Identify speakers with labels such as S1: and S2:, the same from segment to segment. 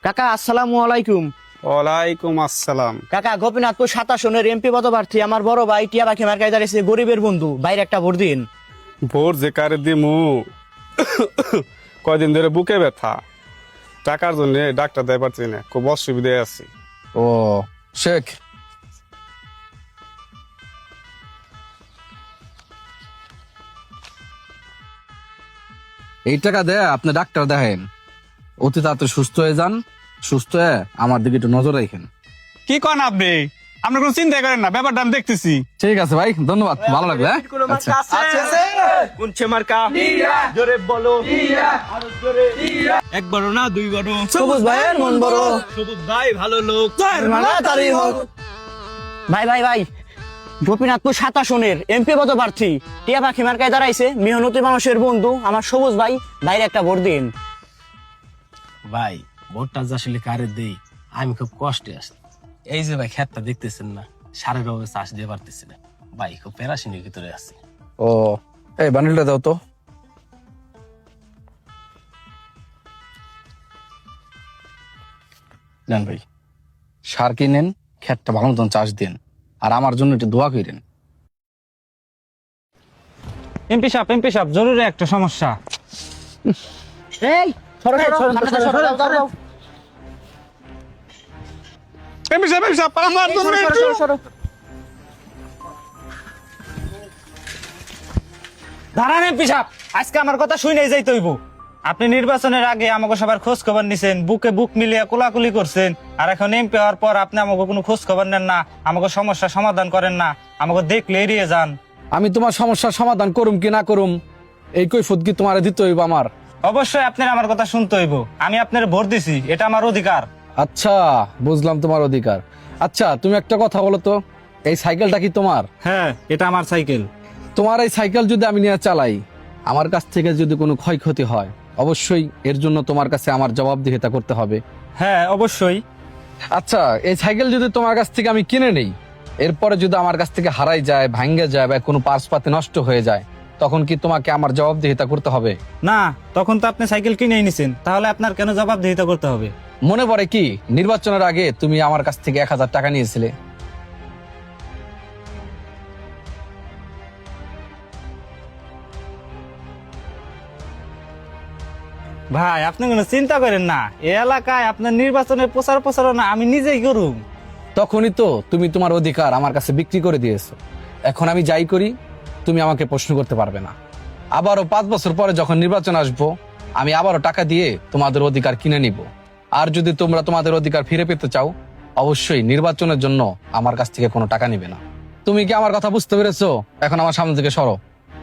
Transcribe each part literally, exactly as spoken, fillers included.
S1: কাকা আসসালামু আলাইকুম।
S2: ওয়ালাইকুম আসসালাম।
S1: কাকা গোপীনাথপুর সাতাশনের এমপি পদপ্রার্থী আমার বড় ভাই টিয়া পাখি মার্কায় দাঁড়িয়েছে, গরিবের বন্ধু, বাইরে একটা ভোট দিন।
S2: ভোর যে কারে দিমু কয়দিন ধরে বুকে ব্যথা, টাকার জন্য ডাক্তার দেয় পারছি না, খুব অসুবিধায় আছি।
S3: ও শেখ, এই টাকা দেয় আপনি ডাক্তার দেখেন, অতি তাড়াতাড়ি সুস্থ হয়ে যান। সুস্থ হয়ে আমার দিকে একটু নজর রাখেন।
S2: কি কন আপনি? আপনি কোনো চিন্তা করেন না, ব্যাপারটা আমি দেখতেছি।
S3: ঠিক আছে ভাই, ধন্যবাদ, ভালো লাগবে। হ্যাঁ? আচ্ছা।
S1: কোনছে মার্কা জোরে বলো, আরো জোরে। একবারও না দুইবারও। সবুজ ভাইয়ের মন বড়, সবুজ ভাই ভালো লোক, তাড়াতাড়ি হোক। ভাই ভাই ভাই গোপীনাথপুর সাতাশনের এমপি পদপ্রার্থী টিয়া পাখি মার্কায় দাঁড়াইছে, মেহনতি মানুষের বন্ধু আমার সবুজ ভাই, বাইরে একটা ভোট দিন।
S4: ভাই ভোটটা যে আসলে কারে দেই আমি খুব কষ্টে আছি। এই যে ভাই ক্ষেতটা দেখতেছেন না, সারের অভাবে চাষ দিয়ে পারতেছি না ভাই, খুব প্যারাশিনের ভিতরে আছি।
S3: ও এই বান্ডিলটা দাও তো। নেন ভাই, সার কিনেন, ক্ষেতটা ভালো মতন চাষ দিন, আর আমার জন্য একটু দোয়া করেন।
S5: এমপি সাহেব এমপি সাহেব জরুরি একটা সমস্যা।
S1: এই সরো সরো সরো সরো দাও দাও।
S2: এমপি সাহেব, এমপি সাহেব, আমার জন্য
S1: সরো
S2: একটু-
S1: সরো সরো।
S5: দাঁড়ান এমপি সাহেব, আজকে আমার কথা শুনেই যাইতে হইব। আপনি নির্বাচনের আগে আমাকে সবার খোঁজ খবর নিছেন, বুকে বুক মিলিয়ে কোলাকুলি করছেন, আর এখন এমপি হওয়ার পর আপনি আমাকে কোনো খোঁজ খবর নেন না, আমাকে সমস্যার সমাধান করেন না, আমাকে দেখলে এড়িয়ে যান।
S3: আমি তোমার সমস্যার সমাধান করুম কি না করুম, এই কৈফত কি তোমার দিতে হইব আমার?
S5: অবশ্যই আপনার আমার কথা শুনতে হইব, আমি আপনার ভোট দিছি, এটা আমার অধিকার।
S3: আচ্ছা বুঝলাম তোমার অধিকার। আচ্ছা তুমি একটা কথা বলো তো, এই সাইকেলটা কি তোমার?
S5: হ্যাঁ এটা আমার সাইকেল।
S3: তোমার এই সাইকেল যদি আমি নিয়ে চালাই, আমার কাছ থেকে যদি কোনো ক্ষয়ক্ষতি হয়, অবশ্যই এর জন্য তোমার কাছে আমার জবাবদিহিতা করতে হবে।
S5: হ্যাঁ অবশ্যই।
S3: আচ্ছা এই সাইকেল যদি তোমার কাছ থেকে আমি কিনে নেই, এরপরে যদি আমার কাছ থেকে হারাই যায়, ভাঙ্গে যায়, বা কোনো পার্স পাতি নষ্ট হয়ে যায়, তখন কি তোমাকে আমার জবাবদিহিতা করতে হবে?
S5: না, তখন তো আপনি সাইকেল কিনেই নিছেন, তাহলে আপনার কেন জবাবদিহিতা করতে হবে?
S3: মনে পড়ে কি নির্বাচনের আগে তুমি আমার কাছ থেকে এক হাজার টাকা নিয়েছিলে?
S5: ভাই আপনি কোনো চিন্তা করেন না, এই এলাকায় আপনার নির্বাচনের প্রচার প্রচারণা আমি নিজেই করুম।
S3: তখনই তো তুমি তোমার অধিকার আমার কাছে বিক্রি করে দিয়েছো। এখন আমি যাই করি, তুমি আমাকে প্রশ্ন করতে পারবে না। আবারও পাঁচ বছর পরে যখন নির্বাচন আসবো, আমি আবারও টাকা দিয়ে তোমাদের অধিকার কিনে নিব। আর যদি তোমরা তোমাদের অধিকার ফিরে পেতে চাও, অবশ্যই নির্বাচনের জন্য আমার কাছ থেকে কোনো টাকা নিবে না। তুমি কি আমার কথা বুঝতে পেরেছো? এখন আমার সামনে থেকে সরো।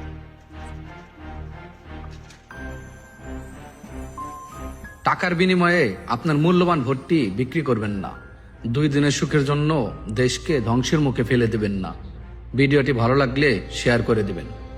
S3: টাকার বিনিময়ে আপনার মূল্যবান ভোটটি বিক্রি করবেন না। দুই দিনের সুখের জন্য দেশকে ধ্বংসের মুখে ফেলে দেবেন না। ভিডিওটি ভালো লাগলে শেয়ার করে দিবেন।